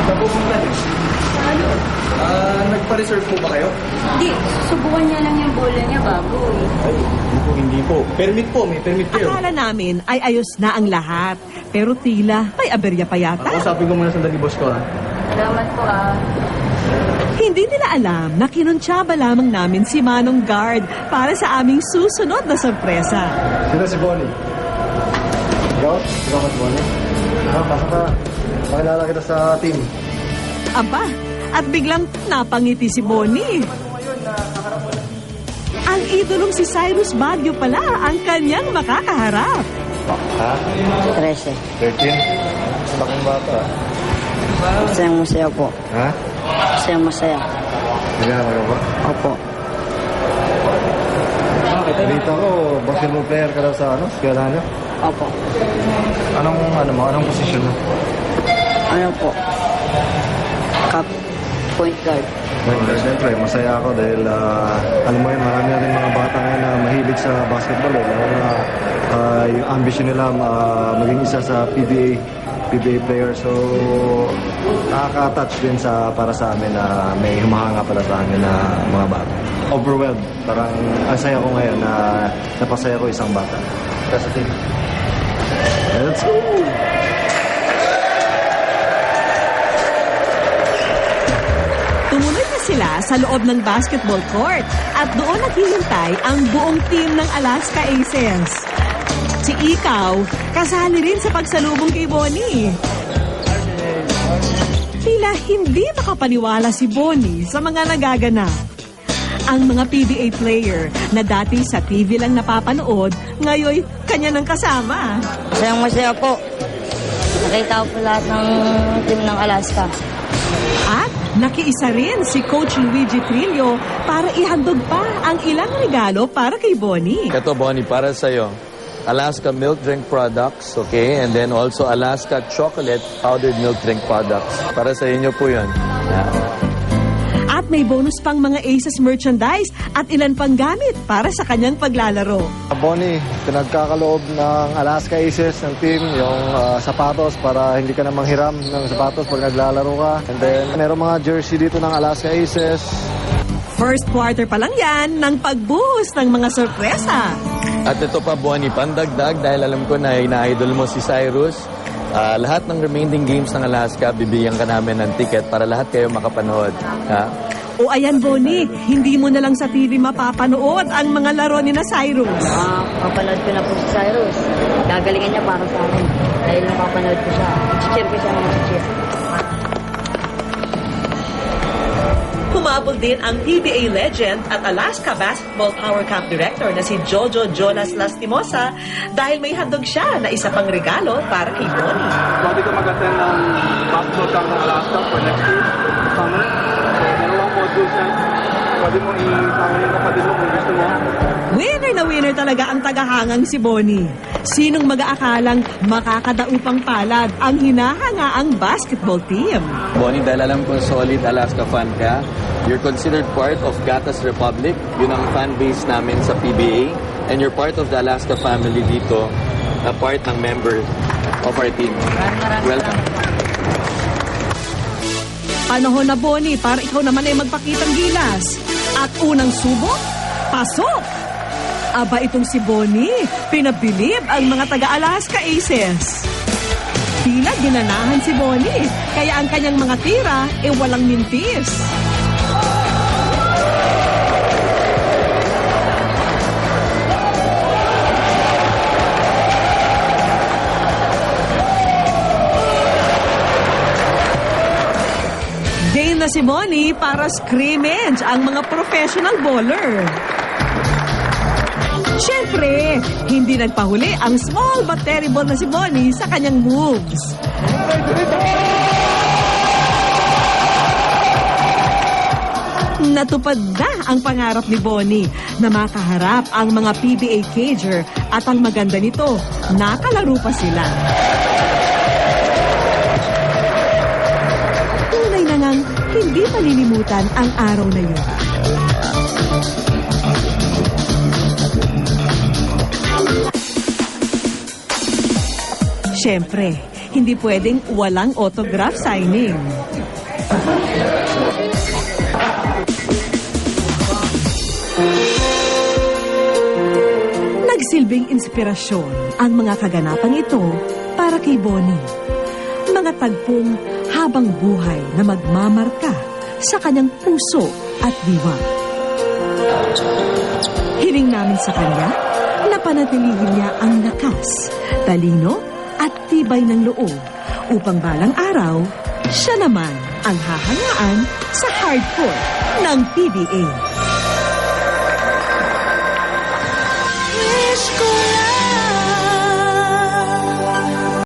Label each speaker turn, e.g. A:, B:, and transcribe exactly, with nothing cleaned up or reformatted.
A: Saan pupunta niyo?
B: Ano?
A: Ah, nagpa-reserve po ba kayo?
B: Hindi, subukan niya lang yung bola niya bago eh.
A: Ay, hindi po, hindi po. Permit po, may permit kayo.
C: Akala namin ay ayos na ang lahat. Pero tila may aberya pa yata.
A: Ako, sabi ko muna sandali, boss ko, ha?
B: Salamat po ah.
C: Hindi nila alam na kinuntsaba lamang namin si Manong Guard para sa aming susunod na sorpresa.
D: Sino si Bonnie? Ikaw? Ikaw ka si Bonnie? Ah, pasok ka. Pakilala kita sa team.
C: Aba, at biglang napangiti si Bonnie. Ang idolong si Cyrus Baguio pala ang kanyang makakaharap.
D: Ha?
E: trese.
D: thirteen? Laking bata.
E: Masayang masaya po.
D: Ha?
E: Masayang masaya.
D: Nagano ka ba?
E: Opo.
D: Dito ko, basketball player ka daw sa ano? Eskwela niyo?
E: Opo.
D: Anong, ano mo? Anong posisyon mo?
E: Ano po? Cup. Point guard.
D: Well, siyempre, masaya ako dahil ah, alam mo yun, marami na rin mga bata ngayon na mahilig sa basketball eh. Lalo na ah, yung ambition nila ah, maging isa sa P B A P B A player. So, nakaka-touch din sa, para sa amin na may humahanga pala sa amin na mga bata. Overwhelmed. Parang ang saya ko ngayon na napasaya ko isang bata. Kasi team. Let's go!
C: Tumuloy na sila sa loob ng basketball court at doon naghihintay ang buong team ng Alaska Aces. Si Ikaw, kasali rin sa pagsalubong kay Bonnie. Tila hindi makapaniwala si Bonnie sa mga nagaganap. Ang mga P B A player na dati sa T V lang napapanood, ngayon kanya nang kasama.
E: Masayang masaya po. Nakita ko po lahat ng team ng Alaska.
C: At nakiisa rin si Coach Luigi Trillo para ihandog pa ang ilang regalo para kay Bonnie.
F: Ito, Bonnie, para sa'yo. Alaska milk drink products, okay? And then also Alaska chocolate powdered milk drink products. Para sa inyo po yun. Yeah.
C: At may bonus pang mga Aces merchandise at ilan pang gamit para sa kanyang paglalaro.
D: Bonnie, pinagkakaloob ng Alaska Aces ng team, yung ah, sapatos para hindi ka na manghiram ng sapatos pag naglalaro ka. And then, meron mga jersey dito ng Alaska Aces.
C: First quarter pa lang yan ng pagbuhos ng mga sorpresa.
F: At ito pa, Bonnie, pandagdag dahil alam ko na ina-idol mo si Cyrus. Ah, lahat ng remaining games ng Alaska, bibigyan ka namin ng ticket para lahat kayo makapanood. Ha?
C: O ayan Bonnie, hindi mo na lang sa T V mapapanood ang mga laro ni na Cyrus.
E: Ah, mapanood ko na po si Cyrus. Gagalingan niya para sa akin. Dahil napapanood ko siya. Cheer ko siya ng cheer.
C: Humabol din ang P B A legend at Alaska Basketball Power Camp Director na si Jojo Jonas Lastimosa dahil may handog siya na isa pang regalo para kay Bonnie.
G: Pwede ka mag-attend ng basketball camp ng Alaska for next year, summer. So, dalawang modules yan. Pwede mo isama yung kapatid mo kung gusto mo.
C: Winner na winner talaga ang tagahangang si Bonnie. Sinong mag-aakalang makakadaupang palad ang hinahangaang basketball team?
F: Bonnie, dahil alam ko solid Alaska fan ka, you're considered part of Gatas Republic. Yun ang fan base namin sa P B A. And you're part of the Alaska family dito, na part ng member of our team. Welcome.
C: Panahon na Bonnie para ikaw naman ay magpakitang gilas. At unang subok, pasok! Aba itong si Bonnie, pinabilib ang mga taga-Alaska Aces. Tila ginanahan si Bonnie, kaya ang kanyang mga tira ay walang mintis. Game na si Bonnie para scrimmage ang mga professional bowler. Siyempre, hindi nagpahuli ang small but terrible na si Bonnie sa kanyang moves. Natupad na ang pangarap ni Bonnie na makaharap ang mga P B A cager at ang maganda nito, nakalaro pa sila. Tunay na ngang hindi malilimutan ang araw na yun. Siyempre, hindi pwedeng walang autograph signing. Nagsilbing inspirasyon ang mga kaganapang ito para kay Bonnie. Mga tagpong habang buhay na magmamarka sa kanyang puso at diwa. Hiling namin sa kanya na panatilihin niya ang lakas, talino at tibay ng loob upang balang araw, siya naman ang hahangaan sa hardcore ng P B A. Wish ko